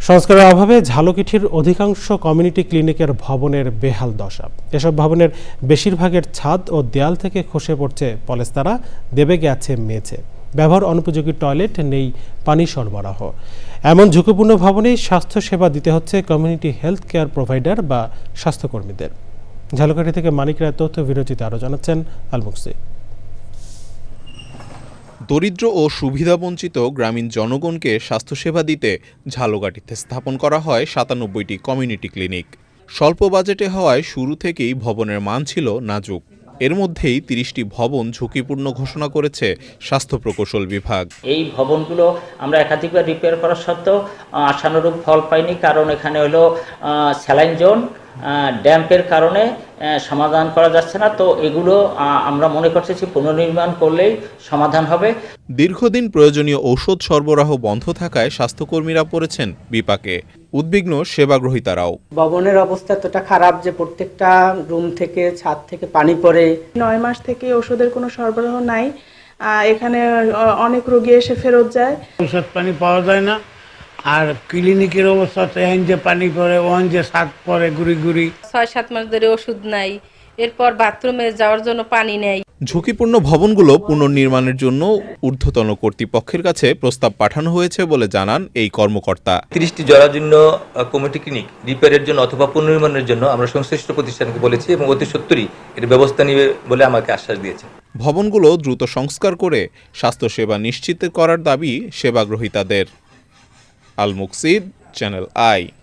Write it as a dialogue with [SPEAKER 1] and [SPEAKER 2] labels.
[SPEAKER 1] সংস্কারের অভাবে ঝালকাঠির অধিকাংশ কমিউনিটি ক্লিনিকের ভবনের বেহাল দশা। এসব ভবনের বেশিরভাগের ছাদ ও দেয়াল থেকে খসে পড়ছে পলেস্তারা, দেবে গেছে মেঝে। ব্যবহার অনুপযোগী টয়লেট, নেই পানি সরবরাহ। এমন ঝুঁকিপূর্ণ ভবনেই স্বাস্থ্যসেবা দিতে হচ্ছে কমিউনিটি হেলথ কেয়ার প্রোভাইডার বা স্বাস্থ্যকর্মীদের। ঝালকাঠি থেকে মানিক রায় তথ্য বিরোচিত আরও জানাচ্ছেন আলমুকসি।
[SPEAKER 2] দরিদ্র ও সুবিধাবঞ্চিত গ্রামীণ জনগণকে স্বাস্থ্যসেবা দিতে ঝালকাঠিতে স্থাপন করা হয় ৯৭টি কমিউনিটি ক্লিনিক। স্বল্প বাজেটে হওয়ায় শুরু থেকেই ভবনের মান ছিল নাজুক। এর মধ্যেই ৩০টি ভবন ঝুঁকিপূর্ণ ঘোষণা করেছে স্বাস্থ্য প্রকৌশল বিভাগ।
[SPEAKER 3] এই ভবনগুলো আমরা একাধিকবার রিপেয়ার করা সত্ত্বেও আশানুরূপ ফল পাইনি, কারণ এখানে হলো স্যালাইন জোন, ড্যাম্পের কারণে সমাধান করা যাচ্ছে না। তো এগুলো আমরা মনে করতেছি পুনর্নির্মাণ করলেই সমাধান হবে।
[SPEAKER 2] দীর্ঘদিন প্রয়োজনীয় ঔষধ সরবরাহ বন্ধ থাকায় স্বাস্থ্যকর্মীরা পড়েছেন বিপাকে। উদ্বিগ্ন সেবাগ্রহীতারাও।
[SPEAKER 4] ভবনের অবস্থা এতটা খারাপ যে প্রত্যেকটা রুম থেকে, ছাদ থেকে পানি পড়ে।
[SPEAKER 5] ৯ মাস থেকে ওষুধের কোনো সরবরাহ নাই। এখানে অনেক রোগী এসে ফেরত যায়।
[SPEAKER 6] ওষুধ পানি পাওয়া যায় না। আর ক্লিনিকের অবস্থা তো এখন যে পানি পড়ে, ওখান যে ছাদ পড়ে গুড়ি গুড়ি।
[SPEAKER 7] ৬-৭ মাস ধরে ওষুধ নাই, এরপর বাথরুমে যাওয়ার জন্য পানি নেই।
[SPEAKER 2] ঝুঁকিপূর্ণ ভবনগুলো পুনর্নির্মাণের জন্য ঊর্ধ্বতন কর্তৃপক্ষের কাছে প্রস্তাব পাঠানো হয়েছে বলে জানান এই কর্মকর্তা।
[SPEAKER 8] ৩০টি জরাজীর্ণ কমিউনিটি ক্লিনিক রিপেয়ারের জন্য অথবা পুনর্নির্মাণের জন্য আমরা সংশ্লিষ্ট প্রতিষ্ঠানকে বলেছি এবং অতি সত্বরই এর ব্যবস্থা নেবে বলে আমাকে আশ্বাস দিয়েছে।
[SPEAKER 2] ভবনগুলো দ্রুত সংস্কার করে স্বাস্থ্যসেবা নিশ্চিত করার দাবি সেবাগ্রহীতাদের। আল মুকসিদ, চ্যানেল আই।